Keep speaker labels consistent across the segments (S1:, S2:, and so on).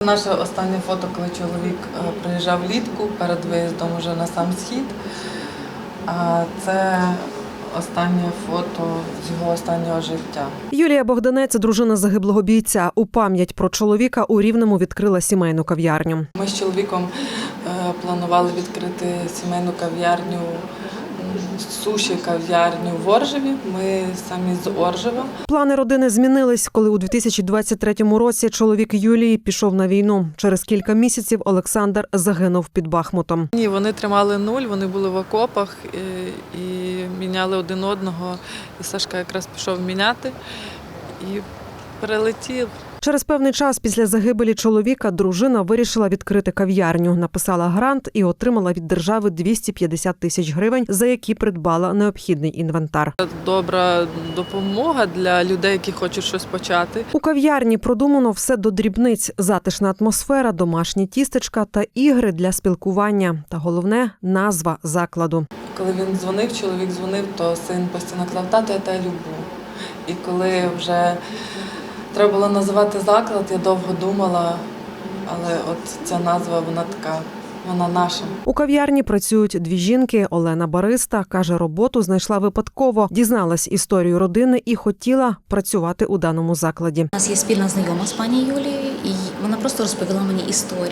S1: наше останнє фото, коли чоловік приїжджав влітку перед виїздом уже на сам схід. А це останнє фото з його останнього життя.
S2: Юлія Богданець, дружина загиблого бійця, у пам'ять про чоловіка у Рівному відкрила сімейну кав'ярню.
S1: Ми з чоловіком планували відкрити сімейну кав'ярню, суші-кав'ярню в Оржеві. Ми самі з Оржева. Плани
S2: родини змінились, коли у 2023 році чоловік Юлії пішов на війну. Через кілька місяців Олександр загинув під Бахмутом.
S1: Ні, вони тримали нуль, вони були в окопах і міняли один одного. І Сашка якраз пішов міняти і прилетів.
S2: Через певний час після загибелі чоловіка дружина вирішила відкрити кав'ярню. Написала грант і отримала від держави 250 тисяч гривень, за які придбала необхідний інвентар.
S1: Добра допомога для людей, які хочуть щось почати.
S2: У кав'ярні продумано все до дрібниць. Затишна атмосфера, домашні тістечка та ігри для спілкування. Та головне – назва закладу.
S1: Коли він дзвонив, чоловік дзвонив, то син постійно казав: «Тато, я тебе люблю». І коли вже треба було називати заклад, я довго думала, але от ця назва, вона така, вона наша.
S2: У кав'ярні працюють дві жінки. Олена бариста, каже, роботу знайшла випадково, дізналась історію родини і хотіла працювати у даному закладі.
S3: У нас є спільна знайома з пані Юлією, і вона просто розповіла мені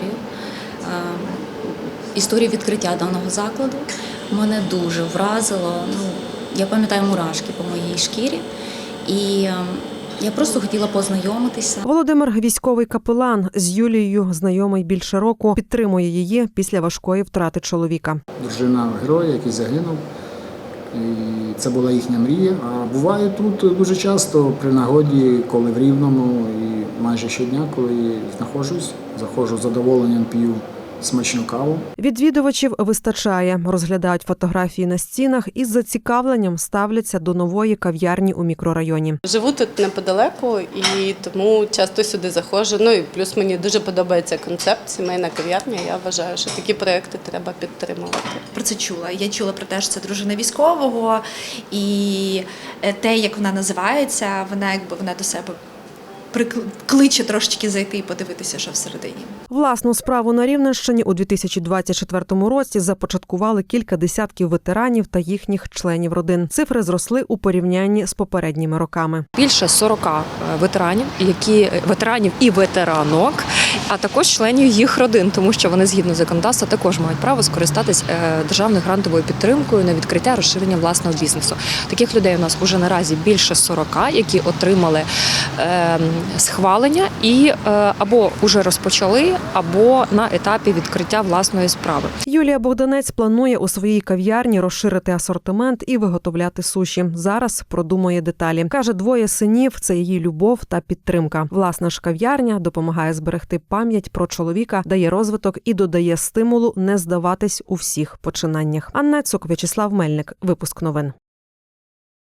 S3: історію відкриття даного закладу. Мене дуже вразило, я пам'ятаю мурашки по моїй шкірі. І я просто хотіла познайомитися.
S2: Володимир – військовий капелан. З Юлією знайомий більше року. Підтримує її після важкої втрати чоловіка.
S4: Дружина героя, який загинув. І це була їхня мрія. А буває тут дуже часто при нагоді, коли в Рівному, і майже щодня, коли знаходжусь, заходжу з задоволенням, п'ю смачну каву.
S2: Відвідувачів вистачає. Розглядають фотографії на стінах і з зацікавленням ставляться до нової кав'ярні у мікрорайоні.
S5: Живу тут неподалеку і тому часто сюди заходжу. І плюс мені дуже подобається концепт сімейна кав'ярня. Я вважаю, що такі проекти треба підтримувати.
S6: Про це чула. Я чула про те, що це дружина військового, і те, як вона називається, вона до себе кличе трошечки зайти і подивитися, що всередині.
S2: Власну справу на Рівненщині у 2024 році започаткували кілька десятків ветеранів та їхніх членів родин. Цифри зросли у порівнянні з попередніми роками.
S7: Більше 40 ветеранів і ветеранок, а також членів їх родин, тому що вони згідно законодавства також мають право скористатись державною грантовою підтримкою на відкриття, розширення власного бізнесу. Таких людей у нас уже наразі більше 40, які отримали схвалення і або вже розпочали, або на етапі відкриття власної справи.
S2: Юлія Богданець планує у своїй кав'ярні розширити асортимент і виготовляти суші. Зараз продумує деталі. Каже, двоє синів – це її любов та підтримка. Власна ж кав'ярня допомагає зберегти пам'ять про чоловіка, дає розвиток і додає стимулу не здаватись у всіх починаннях. Анна Цук, В'ячеслав Мельник. Випуск новин.